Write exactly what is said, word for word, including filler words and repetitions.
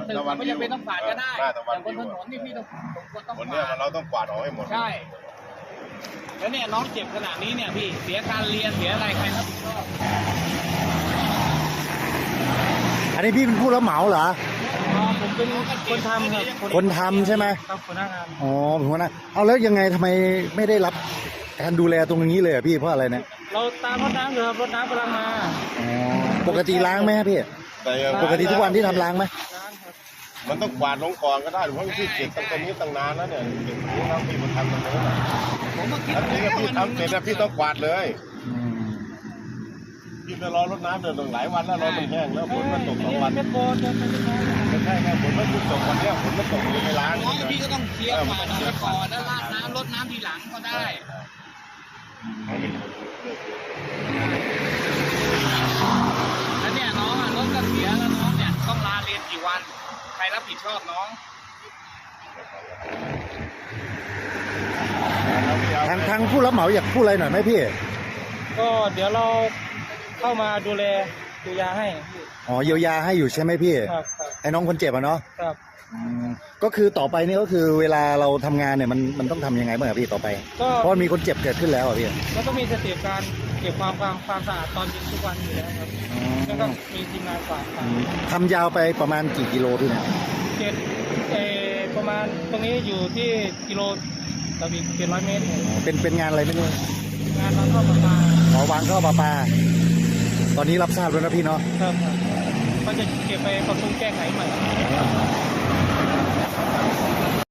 ตึกไม่จำเป็นต้องฝาดก็ได้แต่บนถนนนี่พี่ต้องต้องวันฝานี้ดเราต้องกวาดออกให้หมดใช่แล้วเนี่ยน้องเจ็บขนาดนี้เนี่ยพี่เสียการเรียนเสียอะไรใครรับผิดชอบอันนี้พี่เป็นผู้รับเหมาเหรออ๋อผมเป็นคนทำครับคนทำใช่ไหมครับคนหน้างานอ๋อผมว่านะเอาแล้วยังไงทำไมไม่ได้รับการดูแลตรงนี้เลยอ่ะพี่เพราะอะไรเนี่ยเราตามรถน้ำอยู่ครับรถน้ำกำลังมาอ๋อปกติล้างไหมพี่แต่ปกติทุกวันที่ทำล้างไหมร้านครับมันต้องกวาดลงก่อนก็ได้เพราะพี่เก็บตั้งแต่นี้ตั้งนานแล้วเนี่ยเก็บตรงนี้แล้วพี่มาทำตรงนี้นผมมาคิดแล้วพี่ก็พี่ทำเสร็จแล้วพี่ต้องกวาดเลยอืมพี่ไปรอรถน้ำเดินตั้งหลายวันแล้วรอมันแห้งแล้วฝนมันตกสองวันเป็นโบนเป็นโบนไม่ใช่ไงฝนมันเพิ่งตกวันเนี้ยฝนมันตกอยู่ในร้านน้องพี่ก็ต้องเคลียร์ฝาดเอาไว้ก่อนแล้วราดน้ำรดน้ำทีหลังก็ได้แล้วเนี่ยน้องอ่ะรถก็เสียแล้วน้องเนี่ยต้องลาเรียนกี่วันใครรับผิดชอบน้องทางทางผู้รับเหมาอยากพูดอะไรหน่อยไหมพี่ก็เดี๋ยวเราเข้ามาดูแลดูยาให้อ๋อเยียวยาให้อยู่ใช่ไหมพี่ครับครับไอ้น้องคนเจ็บอ่ะเนาะครับอืมก็คือต่อไปนี่ก็คือเวลาเราทำงานเนี่ยมันมันต้องทำยังไงบ้างอะพี่ต่อไปก็เพราะมีคนเจ็บเกิดขึ้นแล้วอ่ะพี่ก็ต้องมีสเต็ปการเก็บความความความสะอาดตอนเย็นทุกวันอยู่แล้วครับแล้วก็มีทีมงานฝากอืมทำยาวไปประมาณกี่กิโลพี่เนี่ยเจ็ดเออประมาณตรงนี้อยู่ที่กิโลต่ออีกเจ็ดร้อยเมตรอ๋อเป็นเป็นงานอะไรไม่รู้งานเราเข้ามามาขอวางท่อประปา ตอนนี้รับทราบแล้วนะพี่เนาะครับครับก็จะเก็บไปปรับปรุงแก้ไขใหม่